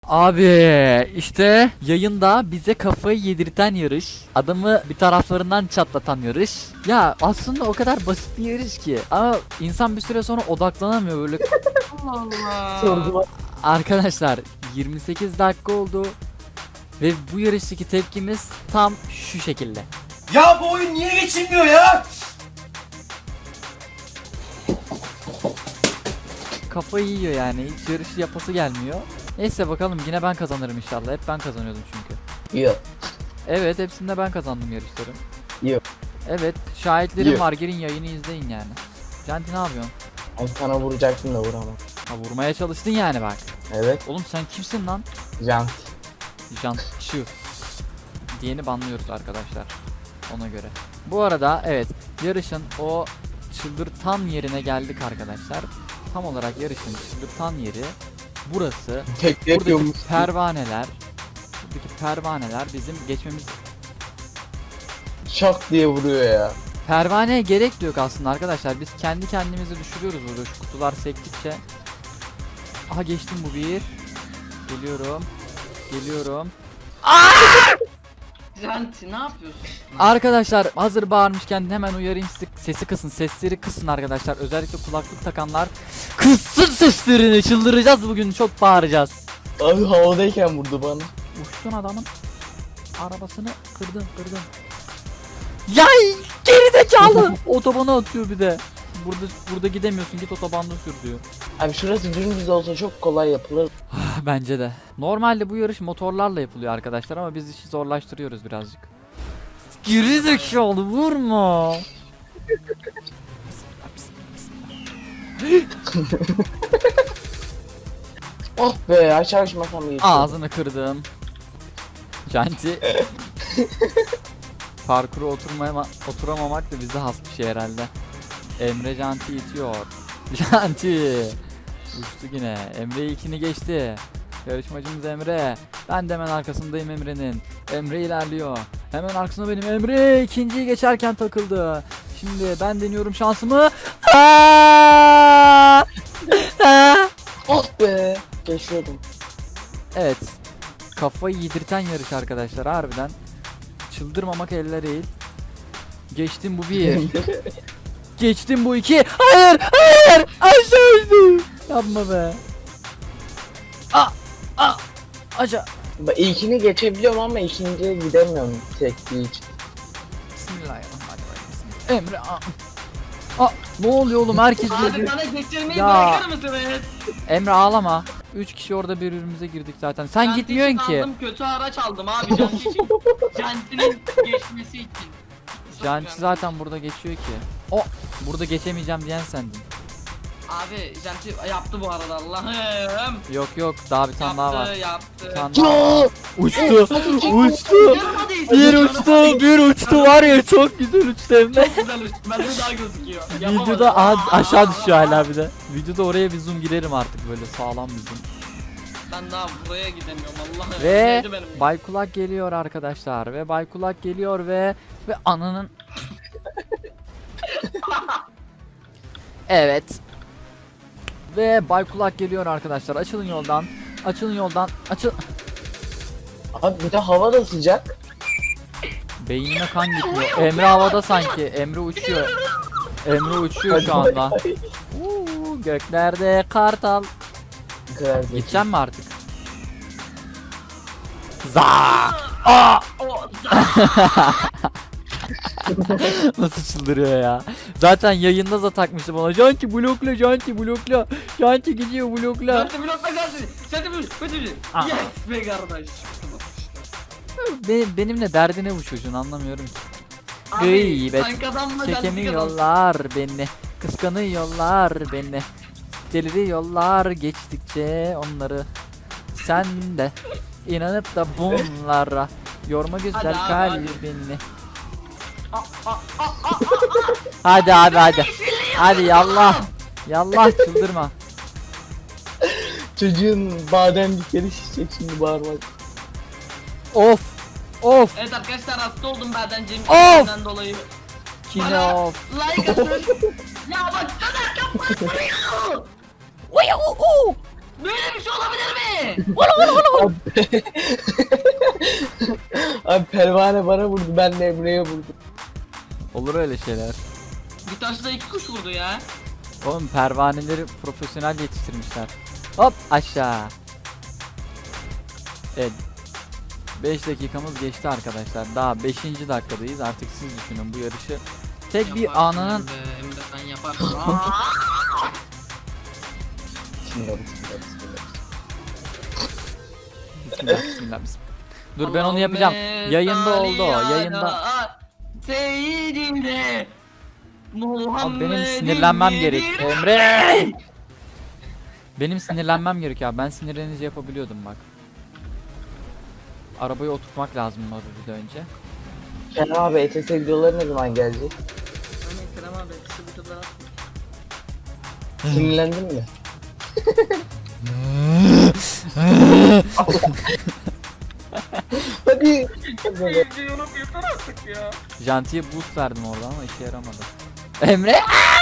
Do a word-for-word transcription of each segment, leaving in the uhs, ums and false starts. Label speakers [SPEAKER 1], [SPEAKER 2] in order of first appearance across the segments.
[SPEAKER 1] Abi işte yayında bize kafayı yedirten yarış, adamı bir taraflarından çatlatan yarış. Ya aslında o kadar basit bir yarış ki ama insan bir süre sonra odaklanamıyor böyle.
[SPEAKER 2] Allah Allah.
[SPEAKER 3] Sorgula.
[SPEAKER 1] Arkadaşlar yirmi sekiz dakika oldu ve bu yarıştaki tepkimiz tam şu şekilde.
[SPEAKER 4] Ya bu oyun niye geçilmiyor ya?
[SPEAKER 1] Kafayı yiyor yani, hiç yarışı yapası gelmiyor. Neyse bakalım, yine ben kazanırım inşallah. Hep ben kazanıyordum çünkü.
[SPEAKER 3] Yok.
[SPEAKER 1] Evet, hepsinde ben kazandım yarışları.
[SPEAKER 3] Yok.
[SPEAKER 1] Evet, şahitlerim
[SPEAKER 3] Yok.
[SPEAKER 1] var, girin yayını izleyin yani. Canti ne yapıyorsun?
[SPEAKER 3] Ben sana vuracaktım da vuramam.
[SPEAKER 1] Ha, vurmaya çalıştın yani bak.
[SPEAKER 3] Evet.
[SPEAKER 1] Oğlum sen kimsin lan?
[SPEAKER 3] Can.
[SPEAKER 1] Jantçı diyeni banlıyoruz arkadaşlar, ona göre. Bu arada evet, yarışın o çıldırtan yerine geldik arkadaşlar. Tam olarak yarışın çıldırtan yeri burası.
[SPEAKER 3] Tek
[SPEAKER 1] Buradaki
[SPEAKER 3] yapıyormuş.
[SPEAKER 1] pervaneler, buradaki pervaneler bizim geçmemiz.
[SPEAKER 3] Şak diye vuruyor ya.
[SPEAKER 1] Pervaneye gerek de yok aslında arkadaşlar. Biz kendi kendimizi düşürüyoruz burada şu kutular sektikçe. Aha, geçtim, bu bir. Geliyorum. Geliyorum.
[SPEAKER 2] Janti ne yapıyorsun?
[SPEAKER 1] Arkadaşlar hazır bağırmışken hemen uyarayım sizi, sesi kısın, sesleri kısın arkadaşlar. Özellikle kulaklık takanlar kıssın seslerini, çıldıracağız bugün, çok bağıracağız.
[SPEAKER 3] Abi havadayken vurdu bana.
[SPEAKER 1] Uçtun adamın arabasını, kırdın kırdın. Yay, gerizekalı. Otobana atıyor bir de. Burada burada gidemiyorsun, git otobanda sür diyor.
[SPEAKER 3] Abi şurası dümdüz olsa çok kolay yapılır.
[SPEAKER 1] Bence de. Normalde bu yarış motorlarla yapılıyor arkadaşlar ama biz işi zorlaştırıyoruz birazcık. Gerizekalı, vurma.
[SPEAKER 3] Oh be, aşağı uçmasam iyi.
[SPEAKER 1] Ağzını kırdım. Janti. Parkuru oturmaya oturamamak da bize has bir şey herhalde. Emre Janti itiyor. Janti. Uçtu yine. Emre ilkini geçti. Yarışmacımız Emre. Ben de hemen arkasındayım Emre'nin. Emre ilerliyor. Hemen arkasında benim. Emre ikinciyi geçerken takıldı. Şimdi ben deniyorum şansımı. Aa! Aa!
[SPEAKER 3] Oh be. Geçiyordum.
[SPEAKER 1] Evet. Kafayı yedirten yarış arkadaşlar harbiden. Çıldırmamak elde değil. Geçtim, bu bir. Geçtim, bu iki. Hayır, hayır. Aşağı uçtum. Yapma be. Ah, ah. Aşağı.
[SPEAKER 3] Ben ilkini geçebiliyorum ama ikinciye gidemiyorum sektiği için.
[SPEAKER 1] Bismillahirrahmanirrahim. Emre. Ah. Ah, ne oluyor oğlum, herkes
[SPEAKER 2] Abi
[SPEAKER 1] birbirine.
[SPEAKER 2] bana geçirmeyi
[SPEAKER 1] Ya.
[SPEAKER 2] bırakır mısınız?
[SPEAKER 1] Emre ağlama. Üç kişi orada birbirimize girdik zaten. Sen
[SPEAKER 2] Janti
[SPEAKER 1] gitmiyorsun
[SPEAKER 2] için
[SPEAKER 1] ki.
[SPEAKER 2] Aldım, kötü araç aldım abi Janti için. Janti'nin geçmesi için.
[SPEAKER 1] Janti zaten burada geçiyor ki. O burada geçemeyeceğim diyen sendin.
[SPEAKER 2] Abi Janti yaptı bu arada Allah'ım.
[SPEAKER 1] Yok yok, daha bir tane daha var.
[SPEAKER 2] Yaptı yaptı.
[SPEAKER 1] Bir tane daha var.
[SPEAKER 3] Ya!
[SPEAKER 1] Uçtu. Uçtu.
[SPEAKER 2] Yaramadı işte,
[SPEAKER 1] Bir
[SPEAKER 2] yaramadı
[SPEAKER 1] uçtu,
[SPEAKER 2] işte.
[SPEAKER 1] bir uçtu var ya, çok güzel uçtu hem de.
[SPEAKER 2] Çok güzel uçtu. Bende daha gözüküyor. Yapamadım.
[SPEAKER 1] Videoda a- aşağı düşüyor hala bir de. Videoda oraya bir zoom girerim artık, böyle sağlam bir zoom.
[SPEAKER 2] Ben daha buraya gidemiyorum Allah'ım.
[SPEAKER 1] Ve
[SPEAKER 2] Neydi benim?
[SPEAKER 1] Baykulak geliyor arkadaşlar, ve Baykulak geliyor ve ve ananın. Evet. Ve Baykulak geliyor arkadaşlar. Açılın yoldan. Açılın yoldan. Açıl.
[SPEAKER 3] Abi bir de hava da sıcak.
[SPEAKER 1] Beynime kan gitmiyor. Emre havada sanki. Emre uçuyor. Emre uçuyor şu anda. Uuu, göklerde kartal.
[SPEAKER 3] Bu kadar zeki.
[SPEAKER 1] Gideceğim mi artık? Za! Aa!
[SPEAKER 2] O
[SPEAKER 1] Nasıl çıldırıyor ya? Zaten yayında da takmıştı bana. Janti blokla, Janti blokla. Janti gidiyor, blokla.
[SPEAKER 2] Janti blokla Janti. Janti blokla.
[SPEAKER 1] Aa.
[SPEAKER 2] Yes be kardeş.
[SPEAKER 1] Be- benimle derdi ne bu çocuğun, anlamıyorum ki.
[SPEAKER 2] Abi
[SPEAKER 1] Gıybet.
[SPEAKER 2] sen kazanma Janti kazan.
[SPEAKER 1] Çekemiyorlar beni. Kıskanıyorlar beni. Deliriyorlar geçtikçe onları. Sen de inanıp da bunlara yorma güzel
[SPEAKER 2] Hadi abi,
[SPEAKER 1] kalbini. Hadi abi hadi. Hadi yallah. Yallah, çıldırma.
[SPEAKER 3] Çocuğun bademlikleri şişecek şimdi bağırmak.
[SPEAKER 1] Of. Of.
[SPEAKER 2] Evet arkadaşlar hasta oldum Berdenciğim.
[SPEAKER 1] Of!
[SPEAKER 2] Benden dolayı.
[SPEAKER 1] Kine
[SPEAKER 2] Bana
[SPEAKER 1] of.
[SPEAKER 2] like atın. Ya bak sana yapma. Böyle bir şey olabilir mi?
[SPEAKER 3] Abi pervane bana vurdu, ben de Emre'ye vurdum.
[SPEAKER 1] Olur öyle şeyler.
[SPEAKER 2] Bir taşla iki kuş vurdu ya.
[SPEAKER 1] Oğlum pervaneleri profesyonel yetiştirmişler. Hop aşağı. Evet. beş dakikamız geçti arkadaşlar. Daha beşinci dakikadayız. Artık siz düşünün bu yarışı. Tek bir
[SPEAKER 2] Yaparsın
[SPEAKER 1] anının
[SPEAKER 2] Emre, Emre sen yaparsın. Aa!
[SPEAKER 3] Bismillah, bismillah, bismillah.
[SPEAKER 1] Bismillah bismillah bismillah. Dur ben onu yapacağım. Yayında oldu o. Yayında.
[SPEAKER 2] Seyyidine
[SPEAKER 1] Abi benim sinirlenmem gerek. Emre! Benim sinirlenmem gerek ya. Ben sinirlenince yapabiliyordum bak. Arabayı oturtmak lazım bu bir de önce.
[SPEAKER 3] Kerem abi E T S videoları ne zaman gelecek?
[SPEAKER 2] Hani Kerem abi kısa bir tadına
[SPEAKER 3] Sinirlendin mi? Hadi.
[SPEAKER 2] yorum yeter artık ya.
[SPEAKER 1] Jantiye boost verdim orada ama işe yaramadı. Emre!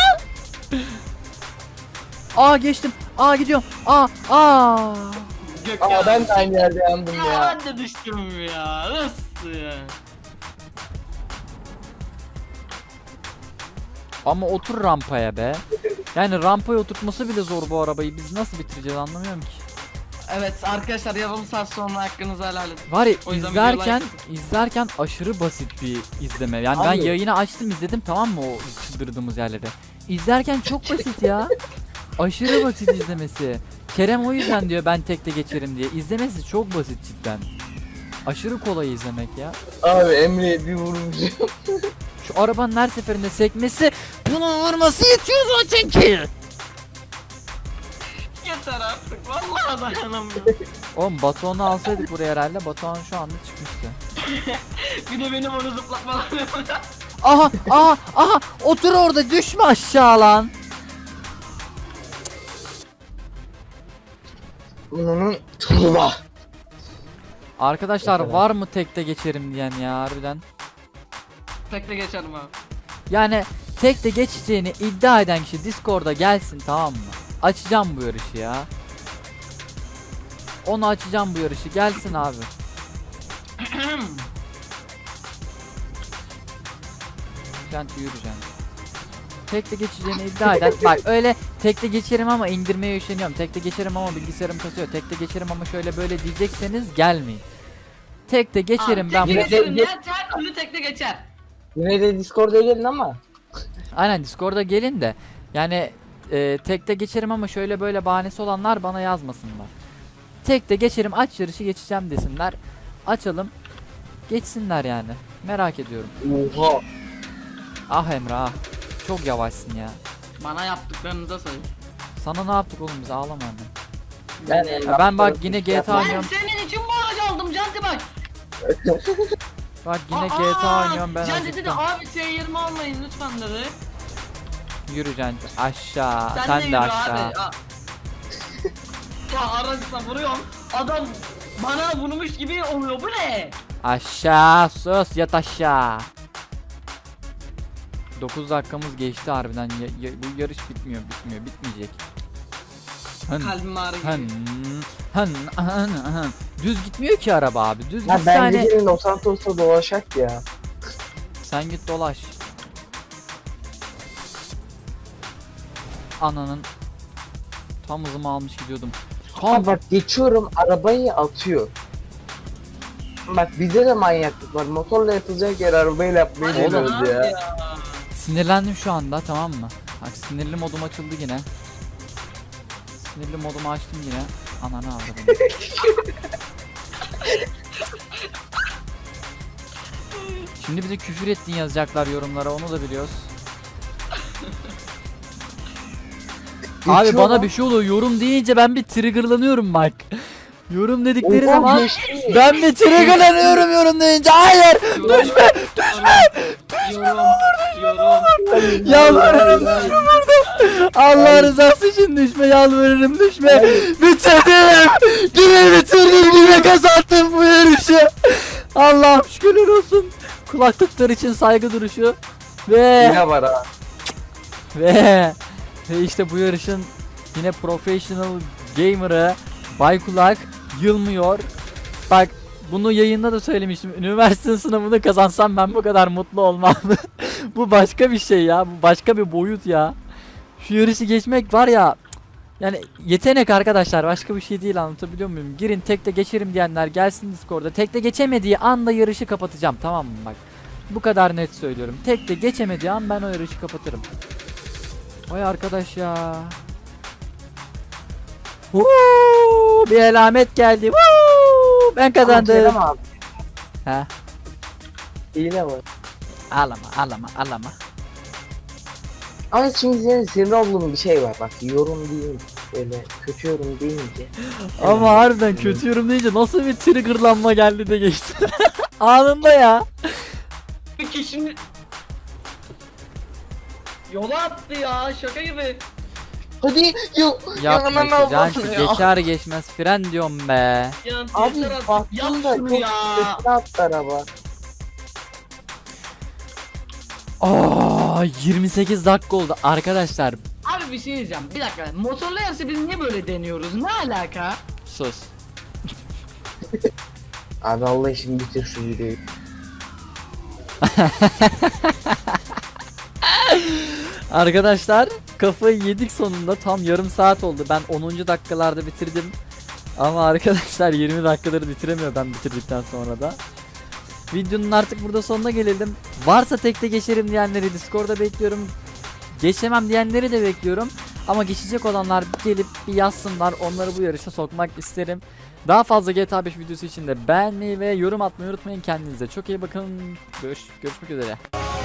[SPEAKER 1] Aa geçtim. Aa gidiyorum. Aa aa.
[SPEAKER 2] Gökhan.
[SPEAKER 3] Aa ben de aynı yerde yandım
[SPEAKER 2] Ya
[SPEAKER 3] ya.
[SPEAKER 2] ben de düştüm ya. Nasıl ya?
[SPEAKER 1] Ama otur rampaya be. Yani rampaya oturtması bile zor bu arabayı. Biz nasıl bitireceğiz anlamıyorum ki.
[SPEAKER 2] Evet arkadaşlar yarım saat sonra hakkınızı helal edin.
[SPEAKER 1] Var ya
[SPEAKER 2] O yüzden
[SPEAKER 1] izlerken
[SPEAKER 2] video
[SPEAKER 1] izlerken aşırı basit bir izleme. Yani ben
[SPEAKER 3] Abi.
[SPEAKER 1] yayını açtım izledim tamam mı o çıldırdığımız yerleri. İzlerken çok basit ya. Aşırı basit izlemesi. Kerem o yüzden diyor ben tekte geçerim diye. İzlemesi çok basit cidden. Aşırı kolay izlemek ya.
[SPEAKER 3] Abi Emre'ye bir vurmuşum.
[SPEAKER 1] Şu arabanın her seferinde sekmesi bunun vurması yetiyor zaten ki.
[SPEAKER 2] Yeter artık vallahi dayanamıyorum.
[SPEAKER 1] Oğlum Batuhan'ı alsaydık buraya herhalde Batuhan şu anda çıkmıştı.
[SPEAKER 2] Bir de benim onu zıplatmalarım.
[SPEAKER 1] Aha aha aha otur orada düşme aşağı lan.
[SPEAKER 3] Bunun tuğla.
[SPEAKER 1] Arkadaşlar
[SPEAKER 3] Mesela.
[SPEAKER 1] var mı tekte geçerim diyen ya harbiden.
[SPEAKER 2] Tekte geçerim abi.
[SPEAKER 1] Yani tekte geçeceğini iddia eden kişi Discord'a gelsin tamam mı? Açacağım bu yarışı ya. Onu açacağım bu yarışı gelsin abi. Janti yürüyeceğim. Tekte geçeceğini iddia eden bak öyle tekte geçerim ama indirmeye üşeniyorum. Tekte geçerim ama bilgisayarım kasıyor. Tekte geçerim ama şöyle böyle diyecekseniz gelmeyin. Tekte geçerim
[SPEAKER 2] Abi,
[SPEAKER 1] ben
[SPEAKER 2] tekte
[SPEAKER 1] bu.
[SPEAKER 2] geçerim ya her türlü tekte geçer.
[SPEAKER 3] Yine de Discord'a gelin ama.
[SPEAKER 1] Aynen Discord'a gelin de yani e, tekte geçerim ama şöyle böyle bahanesi olanlar bana yazmasınlar. Tekte geçerim aç yarışı geçeceğim desinler. Açalım. Geçsinler yani. Merak ediyorum.
[SPEAKER 3] Oha.
[SPEAKER 1] Ah Emre ah. Çok yavaşsın ya.
[SPEAKER 2] Bana yaptıklarınıza sayın.
[SPEAKER 1] Sana ne yaptık oğlum biz ağlama hemen.
[SPEAKER 3] Ben,
[SPEAKER 1] Ya ben bak yine G T A
[SPEAKER 2] Ben
[SPEAKER 1] oynuyorum.
[SPEAKER 2] senin için bu aracı aldım Canti bak.
[SPEAKER 1] Bak yine
[SPEAKER 2] Aa,
[SPEAKER 1] G T A oynuyorum ben
[SPEAKER 2] Canti dedi
[SPEAKER 1] acıktım.
[SPEAKER 2] abi T yirmi almayın lütfen dedi.
[SPEAKER 1] Yürü Canti aşağı.
[SPEAKER 2] Sen,
[SPEAKER 1] Sen,
[SPEAKER 2] de
[SPEAKER 1] de,
[SPEAKER 2] yürü
[SPEAKER 1] aşağı.
[SPEAKER 2] abi. Aa. Ya araçla vuruyorum. Adam bana vurmuş gibi oluyor bu ne?
[SPEAKER 1] Aşağı sus yat aşağı. dokuz dakikamız geçti harbiden. Ya- ya- bu yarış bitmiyor bitmiyor bitmeyecek. Hın,
[SPEAKER 2] Kalbim ağrıyor.
[SPEAKER 1] hın, hın, hın, hın. Düz gitmiyor ki araba abi. Düz
[SPEAKER 3] Ya
[SPEAKER 1] gitse
[SPEAKER 3] ben
[SPEAKER 1] hani
[SPEAKER 3] gecenin Los Santos'ta dolaşak ya.
[SPEAKER 1] sen git dolaş. Ananın tam hızımı almış gidiyordum. Tam
[SPEAKER 3] Abi bak geçiyorum arabayı atıyor. Bak bizde de manyaklık var. Motorla yapılacak yer arabayla yapmayı
[SPEAKER 2] Hadi
[SPEAKER 1] Oğlum.
[SPEAKER 3] deniyoruz
[SPEAKER 2] abi
[SPEAKER 3] ya.
[SPEAKER 2] ya.
[SPEAKER 1] sinirlendim şu anda tamam mı? Bak sinirli modum açıldı yine. Sinirli modumu açtım yine. Ananı avradım. Şimdi bize küfür ettin yazacaklar yorumlara onu da biliyoruz. Abi
[SPEAKER 3] Geçiyor
[SPEAKER 1] bana
[SPEAKER 3] lan.
[SPEAKER 1] bir şey oluyor yorum deyince ben bir triggerlanıyorum bak. Yorum dedikleri
[SPEAKER 3] Oha,
[SPEAKER 1] zaman
[SPEAKER 3] geçti.
[SPEAKER 1] ben bir triggerlanıyorum yorum deyince. Hayır düşme
[SPEAKER 2] düşme. Yorum. Yorum.
[SPEAKER 1] yalvarırım düşme burada. Allah rızası için düşme yalvarırım düşme. Bitirdim. Yine bitirdim yine kazandım bu yarışı. Allah'ım şükürler olsun. Kulaklıklar için saygı duruşu. Ve
[SPEAKER 3] Yine var ha.
[SPEAKER 1] ve ve işte bu yarışın yine professional gamer'ı Baykulak yılmıyor. Bak bunu yayında da söylemiştim. Üniversite sınavını kazansam ben bu kadar mutlu olmam. Bu başka bir şey ya. Bu başka bir boyut ya. Şu yarışı geçmek var ya. Yani yetenek arkadaşlar, başka bir şey değil, anlatabiliyor muyum? Girin tekte geçerim diyenler gelsin Discord'da. Tekte geçemediği anda yarışı kapatacağım, tamam mı bak. Bu kadar net söylüyorum. Tekte geçemediği an ben o yarışı kapatırım. Vay arkadaş ya. Woo! Bir alamet geldi. Woo! Ben
[SPEAKER 3] Ama
[SPEAKER 1] kazandım.
[SPEAKER 3] Kerem abi
[SPEAKER 1] Ha?
[SPEAKER 3] hile var.
[SPEAKER 1] Ağlama, ağlama, ağlama.
[SPEAKER 3] Ama şimdi senin sinir olduğun bir şey var bak, yorum deyince böyle kötü yorum deyince.
[SPEAKER 1] Ama harbiden kötü yorum deyince nasıl bir triggerlanma geldi de geçti. Anında ya.
[SPEAKER 2] Bir kişinin yola attı ya, şaka gibi.
[SPEAKER 3] Hadi yok.
[SPEAKER 1] Yapma işte Canti, geçer geçmez fren diyorum be.
[SPEAKER 2] Ya
[SPEAKER 3] Abi
[SPEAKER 2] yeter artık.
[SPEAKER 3] baktım
[SPEAKER 2] Yap
[SPEAKER 3] da
[SPEAKER 2] şunu
[SPEAKER 3] çok
[SPEAKER 2] ya.
[SPEAKER 3] kötü attı araba.
[SPEAKER 1] Aa, yirmi sekiz dakika oldu arkadaşlar.
[SPEAKER 2] Abi bir şey diyeceğim. Bir dakika. Motorlu yarışı biz niye böyle deniyoruz? Ne alaka?
[SPEAKER 1] Sus.
[SPEAKER 3] Abi Allah için bitir şu videoyu.
[SPEAKER 1] Arkadaşlar kafayı yedik sonunda, tam yarım saat oldu. Ben onuncu dakikalarda bitirdim. Ama arkadaşlar yirmi dakikaları bitiremiyor ben bitirdikten sonra da. Videonun artık burada sonuna gelelim. Varsa tekte geçerim diyenleri Discord'da bekliyorum. Geçemem diyenleri de bekliyorum. Ama geçecek olanlar gelip bir yazsınlar. Onları bu yarışa sokmak isterim. Daha fazla G T A beş videosu için de beğenmeyi ve yorum atmayı unutmayın. Kendinize çok iyi bakın. Görüş görüşmek üzere.